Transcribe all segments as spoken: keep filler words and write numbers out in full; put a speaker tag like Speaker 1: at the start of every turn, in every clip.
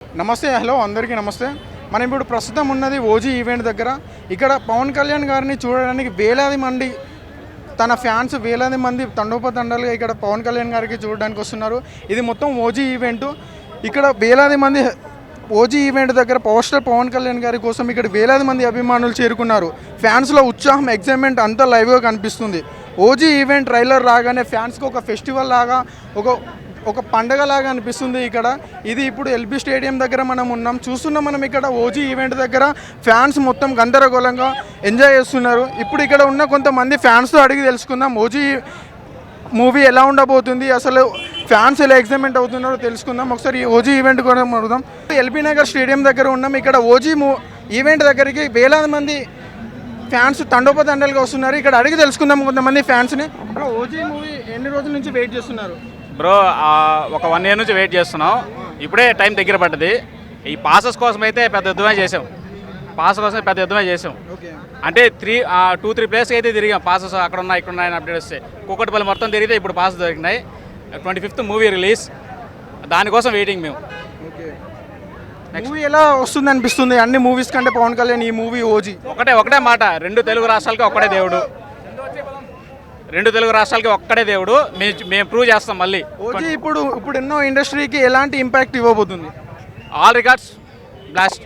Speaker 1: నమస్తే, హలో అందరికీ నమస్తే. మనం ఇప్పుడు ప్రస్తుతం ఉన్నది ఓజీ ఈవెంట్ దగ్గర. ఇక్కడ పవన్ కళ్యాణ్ గారిని చూడడానికి వేలాది మంది తన ఫ్యాన్స్ వేలాది మంది తండోపతండాలుగా ఇక్కడ పవన్ కళ్యాణ్ గారికి చూడడానికి వస్తున్నారు. ఇది మొత్తం ఓజీ ఈవెంట్. ఇక్కడ వేలాది మంది ఓజీ ఈవెంట్ దగ్గర పవర్ స్టార్ పవన్ కళ్యాణ్ గారి కోసం ఇక్కడ వేలాది మంది అభిమానులు చేరుకున్నారు. ఫ్యాన్స్లో ఉత్సాహం, ఎగ్జైట్మెంట్ అంతా లైవ్గా కనిపిస్తుంది. ఓజీ ఈవెంట్ ట్రైలర్ రాగానే ఫ్యాన్స్కి ఒక ఫెస్టివల్ లాగా, ఒక ఒక పండగలాగా అనిపిస్తుంది ఇక్కడ. ఇది ఇప్పుడు ఎల్బీ స్టేడియం దగ్గర మనం ఉన్నాం, చూస్తున్నాం. మనం ఇక్కడ ఓజీ ఈవెంట్ దగ్గర ఫ్యాన్స్ మొత్తం గందరగోళంగా ఎంజాయ్ చేస్తున్నారు. ఇప్పుడు ఇక్కడ ఉన్న కొంతమంది ఫ్యాన్స్తో అడిగి తెలుసుకుందాం ఓజీ మూవీ ఎలా ఉండబోతుంది, అసలు ఫ్యాన్స్ ఎలా ఎగ్జైట్మెంట్ అవుతున్నారో తెలుసుకుందాం. ఒకసారి ఓజీ ఈవెంట్ కూడా అడుగుదాం. ఎల్బీ నగర్ స్టేడియం దగ్గర ఉన్నాం. ఇక్కడ ఓజీ మూ ఈవెంట్ దగ్గరికి వేలాది మంది ఫ్యాన్స్ తండోపతండాలుగా వస్తున్నారు. ఇక్కడ అడిగి తెలుసుకుందాం కొంతమంది ఫ్యాన్స్ని. ఓజీ మూవీ ఎన్ని రోజుల నుంచి వెయిట్ చేస్తున్నారు
Speaker 2: బ్రో? ఒక వన్ ఇయర్ నుంచి వెయిట్ చేస్తున్నాం. ఇప్పుడే టైం దగ్గర పడ్డది. ఈ పాసెస్ కోసం అయితే పెద్ద యుద్ధమే చేసాం. పాస్ కోసం పెద్ద యుద్ధమే చేసాం. అంటే త్రీ టూ త్రీ ప్లేస్కి అయితే తిరిగాం. పాసెస్ అక్కడ ఉన్నాయి, ఇక్కడ ఉన్నాయని అప్డేట్ వస్తే కూకట్పల్లి మొత్తం తిరిగితే ఇప్పుడు పాస్ దొరికినాయి. ట్వంటీ ఫిఫ్త్ మూవీ రిలీజ్, దానికోసం వెయిటింగ్ మేము.
Speaker 1: మూవీ ఎలా వస్తుంది అనిపిస్తుంది అన్ని మూవీస్ కంటే పవన్ కళ్యాణ్ ఈ మూవీ ఓజీ?
Speaker 2: ఒకటే ఒకటే మాట, రెండు తెలుగు రాష్ట్రాలకి ఒక్కడే దేవుడు. రెండు తెలుగు రాష్ట్రాలకి ఒక్కడే దేవుడు. మేము ప్రూవ్ చేస్తాం మళ్ళీ.
Speaker 1: ఓజీ ఇప్పుడు ఇప్పుడు ఎన్నో ఇండస్ట్రీకి ఎలాంటి ఇంపాక్ట్ ఇవ్వబోతుంది?
Speaker 2: All records blast.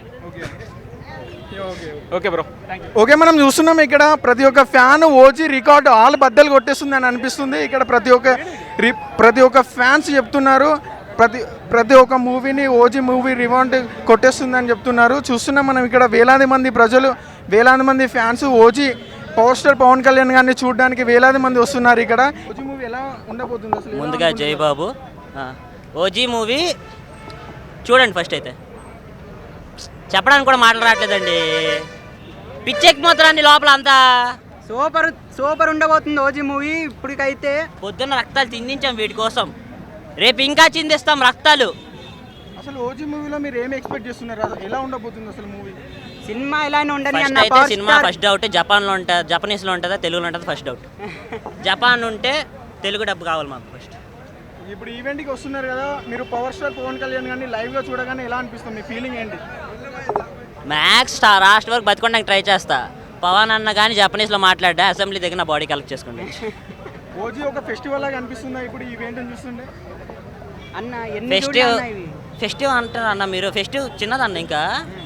Speaker 2: Okay bro,
Speaker 1: okay. మనం చూస్తున్నాం ఇక్కడ ప్రతి ఒక్క ఫ్యాన్ ఓజీ రికార్డు ఆల్ బద్దలు కొట్టేస్తుంది అని అనిపిస్తుంది. ఇక్కడ ప్రతి ఒక్క ప్రతి ఒక్క ఫ్యాన్స్ చెప్తున్నారు ప్రతి ప్రతి ఒక్క మూవీని ఓజీ మూవీ రివాంట్ కొట్టేస్తుంది అని చెప్తున్నారు. చూస్తున్నాం మనం ఇక్కడ వేలాది మంది ప్రజలు, వేలాది మంది fans OG power star Pawan Kalyan గారిని చూడడానికి వేలాది మంది వస్తున్నారు ఇక్కడ. ఓజీ మూవీ ఎలా ఉండబోతుంది అసలు?
Speaker 3: ముందుగా జై బాబు. ఓజీ మూవీ చూడండి ఫస్ట్. అయితే చెప్పడానికి కూడా మాటలు రావట్లేదండి. పిచ్చెక్కిపోతారండి లోపల అంతా.
Speaker 4: సూపర్ సూపర్ ఉండబోతుంది ఓజీ మూవీ. ఇప్పటికైతే
Speaker 3: పొద్దున్న రక్తాలు చిందించాం వీటి కోసం, రేపు ఇంకా చిందిస్తాం రక్తాలు.
Speaker 1: అసలు ఓజీ మూవీలో మీరు ఏమి ఎక్స్పెక్ట్ చేస్తున్నారు? ఎలా ఉండబోతుంది అసలు మూవీ?
Speaker 4: సినిమా ఇలానే ఉండని
Speaker 3: అన్న. అయితే సినిమా ఫస్ట్ డౌట్ జపాన్లో ఉంటుంది, జపనీస్లో ఉంటుందా తెలుగులో ఉంటుందా? ఫస్ట్ డౌట్ జపాన్ ఉంటే తెలుగు డబ్బు కావాలి మాకు ఫస్ట్.
Speaker 1: ఇప్పుడు ఈవెంట్కి వస్తున్నారు కదా మీరు, పవర్ స్టార్ పవన్ కళ్యాణ్ గారిని లైవ్గా చూడగానే ఎలా అనిపిస్తుంది? మీ ఫీలింగ్ ఏంటి?
Speaker 3: మ్యాక్స్ లాస్ట్ వరకు బతుకోవడానికి ట్రై చేస్తా. పవన్ అన్న కానీ జపనీస్లో మాట్లాడా అసెంబ్లీ దగ్గర నా బాడీ కలెక్ట్ చేసుకోండి.
Speaker 1: ఓజీ ఒక ఫెస్టివల్ లాగా అనిపిస్తుందా ఇప్పుడు ఈవెంట్ చూస్తుండే?
Speaker 4: అన్న
Speaker 3: ఫెస్టివ్ ఫెస్టివ్ అంటారు అన్న మీరు. ఫెస్టివ్ చిన్నదన్న. ఇంకా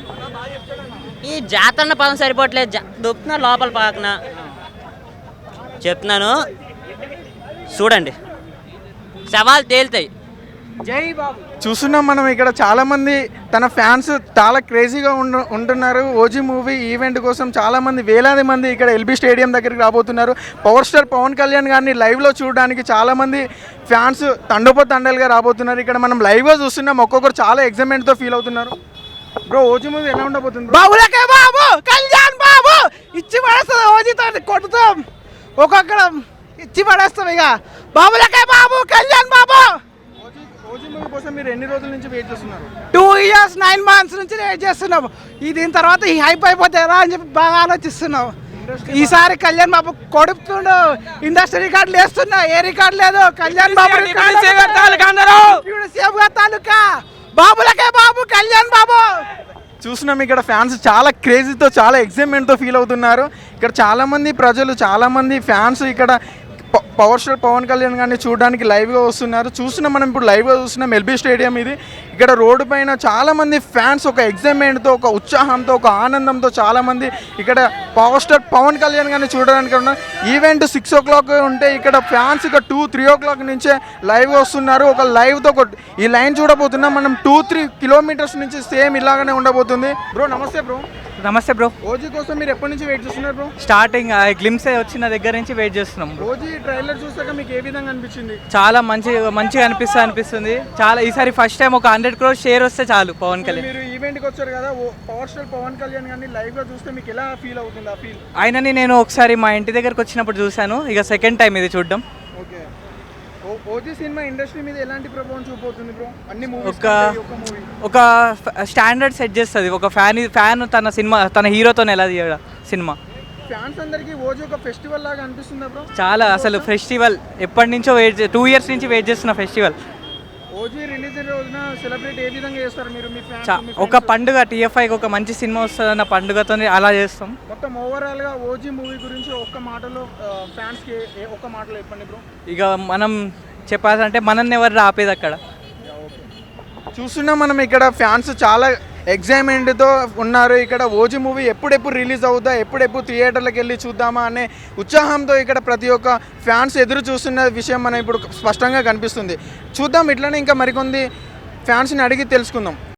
Speaker 3: ఈ జాతర పదం సరిపోవట్లేదు. దొప్పుతున్నా లోపల పాకన చెప్తున్నాను చూడండి, సవాల్ తేలుతాయి.
Speaker 4: జై బాబు.
Speaker 1: చూస్తున్నాం మనం ఇక్కడ చాలా మంది తన ఫ్యాన్స్ చాలా క్రేజీగా ఉండు ఉంటున్నారు ఓజీ మూవీ ఈవెంట్ కోసం. చాలా మంది వేలాది మంది ఇక్కడ ఎల్బీ స్టేడియం దగ్గరికి రాబోతున్నారు. పవర్ స్టార్ పవన్ కళ్యాణ్ గారిని లైవ్లో చూడడానికి చాలా మంది ఫ్యాన్స్ తండోపతండాలుగా రాబోతున్నారు. ఇక్కడ మనం లైవ్గా చూస్తున్నాం. ఒక్కొక్కరు చాలా ఎగ్జైట్మెంట్తో ఫీల్ అవుతున్నారు. బ్రో ఓజీ మూవీ ఎలా ఉండబోతుంది?
Speaker 4: బాబులకే బాబు కళ్యాణ్ బాబు ఇచ్చి పడేస్తాం. ఓజీతో కొట్టుతాం, ఒక్కొక్కడ ఇచ్చి పడేస్తాం. ఇక బాబులకే బాబు కళ్యాణ్ బాబు.
Speaker 1: ఓజీ మూవీ కోసం మీరు ఎన్ని రోజుల నుంచి వెయిట్ చేస్తున్నారు?
Speaker 4: టూ ఇయర్స్ నైన్ మంత్స్ నుంచి వెయిట్ చేస్తున్నాం. ఈ దీని తర్వాత ఈ హైప్ అయిపోతారా అని చెప్పి బాగా ఆలోచిస్తున్నాం. ఈసారి కళ్యాణ్ బాబు కొడుతుండు. ఇండస్ట్రీ రికార్డులు వేస్తున్నా, ఏ రికార్డు లేదు. కళ్యాణ్ బాబు తాలూకా బాబులకే బాబు కళ్యాణ్ బాబు.
Speaker 1: చూస్తున్నాం ఇక్కడ ఫ్యాన్స్ చాలా క్రేజీతో చాలా ఎగ్జైట్మెంట్తో ఫీల్ అవుతున్నారు. ఇక్కడ చాలామంది ప్రజలు, చాలామంది ఫ్యాన్స్ ఇక్కడ పవర్ స్టార్ పవన్ కళ్యాణ్ గారిని చూడడానికి లైవ్గా వస్తున్నారు. చూస్తున్నాం మనం ఇప్పుడు లైవ్గా చూస్తున్నాం ఎల్బీ స్టేడియం ఇది. ఇక్కడ రోడ్డు పైన చాలామంది ఫ్యాన్స్ ఒక ఎగ్జైట్మెంట్తో, ఒక ఉత్సాహంతో, ఒక ఆనందంతో చాలామంది ఇక్కడ పవర్ స్టార్ పవన్ కళ్యాణ్ గారిని చూడడానికి ఉన్నారు. ఈవెంట్ సిక్స్ ఓ క్లాక్ ఉంటే ఇక్కడ ఫ్యాన్స్ ఇక టూ త్రీ ఓ క్లాక్ నుంచే లైవ్గా వస్తున్నారు. ఒక లైవ్తో ఒక ఈ లైన్ చూడబోతున్నాం మనం. టూ త్రీ కిలోమీటర్స్ నుంచి సేమ్ ఇలాగనే ఉండబోతుంది. బ్రో నమస్తే. బ్రో
Speaker 4: నమస్తే బ్రో.
Speaker 1: ఓజీ కోసం మీరు ఎప్పటి నుంచి వెయిట్ చేస్తున్నారు బ్రో?
Speaker 4: స్టార్టింగ్ గ్లిమ్స్ వచ్చిన దగ్గర నుంచి వెయిట్ చేస్తున్నాం.
Speaker 1: ఓజీ ట్రైలర్ చూసాక మీకు ఏ విధంగా అనిపించింది?
Speaker 4: చాలా మంచి మంచిగా అనిపిస్తా అనిపిస్తుంది చాలా. ఈసారి ఫస్ట్ టైం ఒక హండ్రెడ్ క్రోర్ షేర్ వస్తే చాలు పవన్ కళ్యాణ్.
Speaker 1: మీరు ఈవెంట్కి వచ్చారు కదా, పవర్ స్టార్ పవన్ కళ్యాణ్ గారిని లైవ్గా చూస్తే మీకు ఎలా ఫీల్ అవుతుంది? ఆ ఫీల్
Speaker 4: ఆయనని నేను ఒకసారి మా ఇంటి దగ్గరకు వచ్చినప్పుడు చూశాను. ఇక సెకండ్ టైం ఇది చూడడం.
Speaker 1: ఓకే. ఓజీ సినిమా ఇండస్ట్రీ మీద ఎలాంటి ప్రభావం చూపుతుంది బ్రో? అన్ని మూవీస్
Speaker 4: ఒక ఒక స్టాండర్డ్ సెట్ చేస్తుంది. ఒక ఫ్యాన్ ఫ్యాన్ తన సినిమా తన హీరోతో ఎలా తీయడం సినిమా.
Speaker 1: ఫ్యాన్స్ అందరికీ ఓజీ ఒక ఫెస్టివల్ లాగా అనిపిస్తుందా బ్రో?
Speaker 4: చాలా అసలు ఫెస్టివల్. ఎప్పటి నుంచో వెయిట్, టూ ఇయర్స్ నుంచి వెయిట్ చేస్తున్న ఫెస్టివల్.
Speaker 1: ఓజీ రిలీజ్ రోజున సెలబ్రేట్ ఏ విధంగా చేస్తారు మీరు మీ ఫ్యాన్స్
Speaker 5: చా- ఒక పండుగ టీఎఫ్ఐకి ఒక మంచి సినిమా వస్తుందన్న పండుగతో అలా చేస్తాం.
Speaker 1: మొత్తం ఓవరాల్ గా ఓజీ మూవీ గురించి ఒక్క మాటలో ఫ్యాన్స్ కి ఏ- ఒక్క మాటలో చెప్పండి బ్రో.
Speaker 5: ఇక మనం చెప్పాలంటే మనల్ని ఎవరు ఆపేది అక్కడ.
Speaker 1: చూస్తున్నాం మనం ఇక్కడ ఫ్యాన్స్ చాలా ఎగ్జైట్మెంట్తో ఉన్నారు. ఇక్కడ ఓజీ మూవీ ఎప్పుడెప్పుడు రిలీజ్ అవుతా, ఎప్పుడెప్పుడు థియేటర్లకు వెళ్ళి చూద్దామా అనే ఉత్సాహంతో ఇక్కడ ప్రతి ఒక్క ఫ్యాన్స్ ఎదురు చూస్తున్న విషయం మనం ఇప్పుడు స్పష్టంగా కనిపిస్తుంది. చూద్దాం, ఇట్లనే ఇంకా మరికొంది ఫ్యాన్స్ని అడిగి తెలుసుకుందాం.